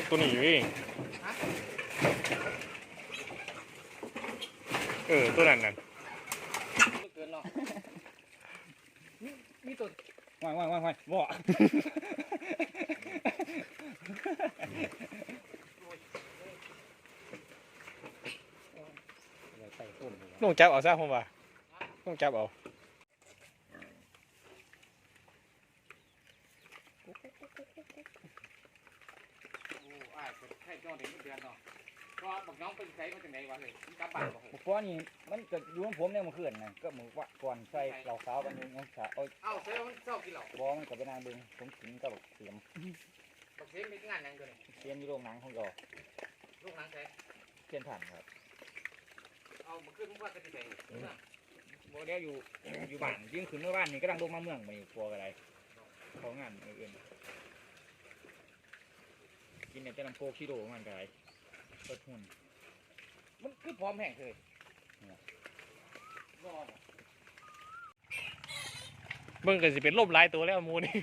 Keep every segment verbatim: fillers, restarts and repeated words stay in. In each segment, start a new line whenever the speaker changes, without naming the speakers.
ตัวนี้อยู่เองเออตัวนั้นนั่น
เกินเนาะมีมีตัว
ว่างว่างว่างว่างบ่
ลงจับเอาซะผมว่าลงจับเอา
ให้จอเด็กเดือนเนาะก็บอกน้องเป็นใครมาจากไหนวะเลยกลับบ้านบอก
เพราะนี่มันเกิดอยู่ของผมเนี่ยมันขึ้นนะก็มือว่าก่อนใส่เหล่าขาวกันนึงเอาขาเอา
เอ้าเซลมันเศร้ากินเหล้า
บอมันกับไปนางบึงผมกินก็แบบเสียม
บอกเซลมีงานยังตัวนี้
เสียมอยู่โรงหนังของเรา
ลูกหนังใช่
เชียนผ่านครับ
เอามาขึ้นว่าจะที่ไหน
โมเดลอยู่อยู่บ้านยิ่งขึ้นเมื่อบ้านนี่ก็ดังลงมาเมืองไปกลัวอะไรของงานอื่นกินเนี่ยจะนำโคคิโดมันกันไรก็ทุน
มันคือพร้อมแห้งเลย
เบิ่งก็สิเป็นลมหลายตัวแล้วมูนี่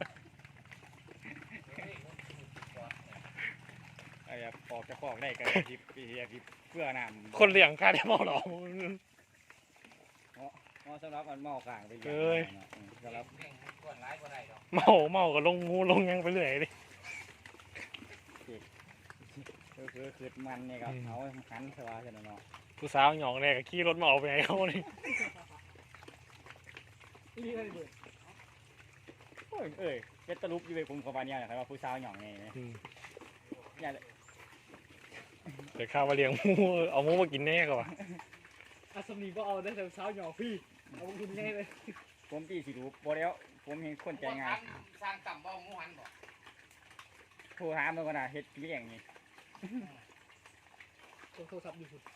ไอ้ออกจะคอกได้กันทิพย์ปีทิพย์เพื่อน้
ำคนเลี้ยงค่าได้เมาหรอ
อ๋อสำหรับมันเมาข่างไป
เอ้ย
สำหรับ
เมาเมาก็ลงงูลงยังไปเรื่อยดิ
คือคือคือมันเนี่ยครับเอาหันสบายกันเนาะ
ผู้สาวหยองเนี่ยก็ขี่รถมาเอาไปไหนเขานี่
นี่เลยด้วยโอ้ยเอ้ยเป็นตลุบอยู่ในกลุ่มของบ้านเนี่ยนะครับว่าผู้สาวหยองเนี่ยเนี่ย
เดี๋ยวข้าวมาเลี้ยงมูเอามูมากินแน่ก่อน
อาสมนีก็เอาได้แต่สาวหยองพี่เอากินแน่เลย
ผมตีสิรูปบ่แล้วผมเห็นคนใจง่าย
สร้างต่ำบ่มูหันบ่
โทรหามันก็น่าเฮ็ดเลี้ยงนี่
โทรศัพท์อยู่คุณ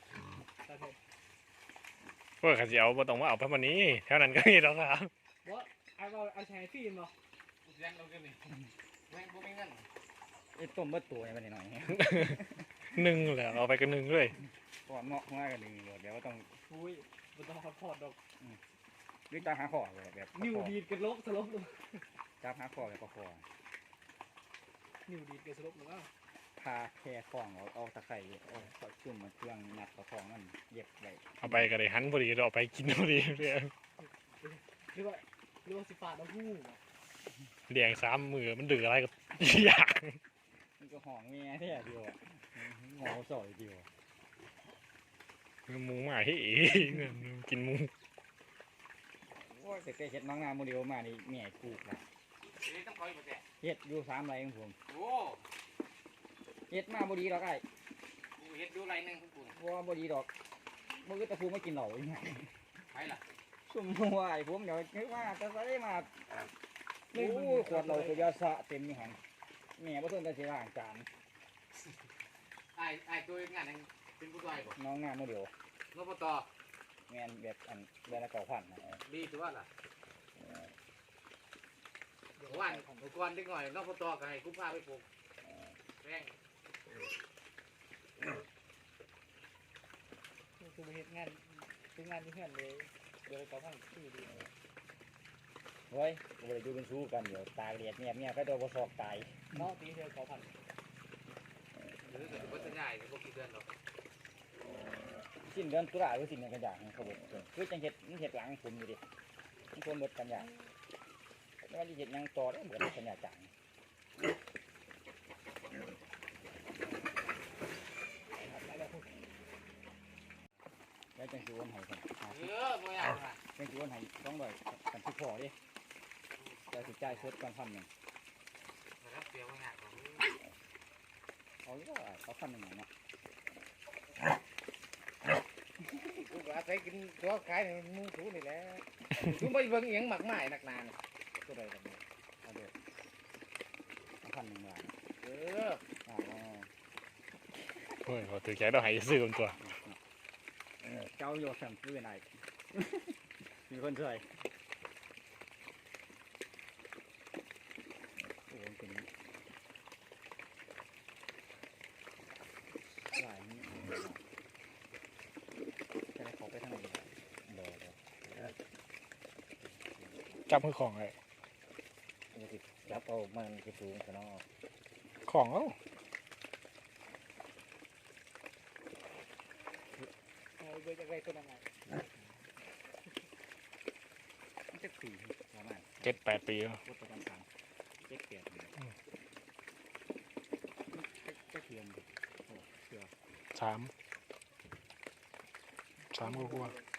เพื่อขัดเสียวมาต้องมาเอาไปวันนี้เท่านั้นก็มีแล้วครับ
ว่าเอาเอาแชร์ฟิล์มเหรอเรียนเราเรียนนี่แม่งกูไม่เงิน
ไอ้ต้มเบิดตัวนี่มันหน่อย
หนึ่งแหละเอาไปกันหนึ่งด้วย
ก่อนเนาะง่ายกันหนึ่งเดี๋ยวต้อง
อุ้ยมันต้องพอดดอก
นี่ตาหาข้อเลยแบบ
นิ้วดีดกันลบสลบเลย
จับหาข้อแบบข้อ
นิ้วดีดกันสลบหรือเปล่า
พาแค่คล้องเอาเอาตะไคร้เอาจุ่มมันเครื่องหนักตะคล้องนั่นเย็บไว้
เอาไปก็ได้หันพอดีเราไปกินพอดีเรื่อง
เรียกว่าเรียกว่าสิฟ้าน้ำหู้
เลี้ยงสามมือมันดื้ออะไรกับอยาก
มันก็ห่องเมียแท้เดียวงอสอยเดียว
มูมาเฮ้กินมู
ว่าแต่เห็ดมังงาโมเดลมานี่เมียกูละเห็ดอยู่สามไรของผมเฮ็ดมาบดีดอกไอ้
เฮ็ดดูไรนึงคุณปู่
ว่าบดีดอกมึงก็ตะพูไม่กินเหล่าอย่างไง
ใช่ล่ะ
สุ่มหัวไอ้ผมเดี๋ยวนึกว่าจะได้มาโอ้ขวดเราคือยาสะเต็มนี่หันแม่บ่ต้นจะเสียร่างจาน
ไอ้ไอ้ตัวงานนึงเป็นผู้ช่วยบ่
น้องงานโมเดล
นปต
งานแบบอันแบบละเก่าพัน
ดีถือว่าล่ะวันอุปกรณ์เล็กหน่อยนปตก็ให้กูพาไปปลูกแรงคือเฮ็ดงานคืองานที่เพื่อนเลยเดี๋ยวเขาพังที่ดี
เฮ้ยเราไปดูเป็นสู้กันเดี๋ยวตายเรียดเนี่ยเนี่ยก็โดนกระสอบตาย
เนาะตีเดียวเขาพังหรือจะเป็นสัญญาณพวกกี่เดือนหรอ
สิ้นเดือนตุลาหรือสิ้นเดือนกันยายนเขาบอกคือจังเห็ดมันเห็ดหลังผมอยู่ดิมันควรหมดกันยายไม่ว่าจะเห็ดยังต่อได้เหมือนกันยายจังแล้วจังสิวนให้กัน
เออบ่อยาก
จังสิวนให้ต้องบ่อยกันที่พอดิแต่สิจ่ายสดก่อนพันหนึ่ง
แล้วเปรี้ยวบ่อยาก
เขาเรียกว่าเขาพันหนึ่งเนาะ
กูอาศัยกินตัวขายในมือถือนี่แหละกูไม่เบิ่งเอียงหมักไม้หนักนาน
ก็ได้กันเอาเดี๋ยวพันหนึ่งบาท
เออ
อ๋อ
เฮ้ยเขาถือแค่เราให้ซื้อกันตัว
เจ้าโยสัมซื้อไหนมีคนช่วยโอ้เป็นหลายนี่จะได้ขอไปทางไหนเดี๋ยวเดี๋ยว
จับมือของเลย
จับเอามันจะสูงขนาด
ของเอ้า
เบื่อจากไรตัวนั้นไง
มันจะปีประมาณ
เจ็ดแปดปีแล้ว
รถประจำทางเจ็ดแปดนี่จะเทียมโอ้เสือ
สามสามก็กลัวา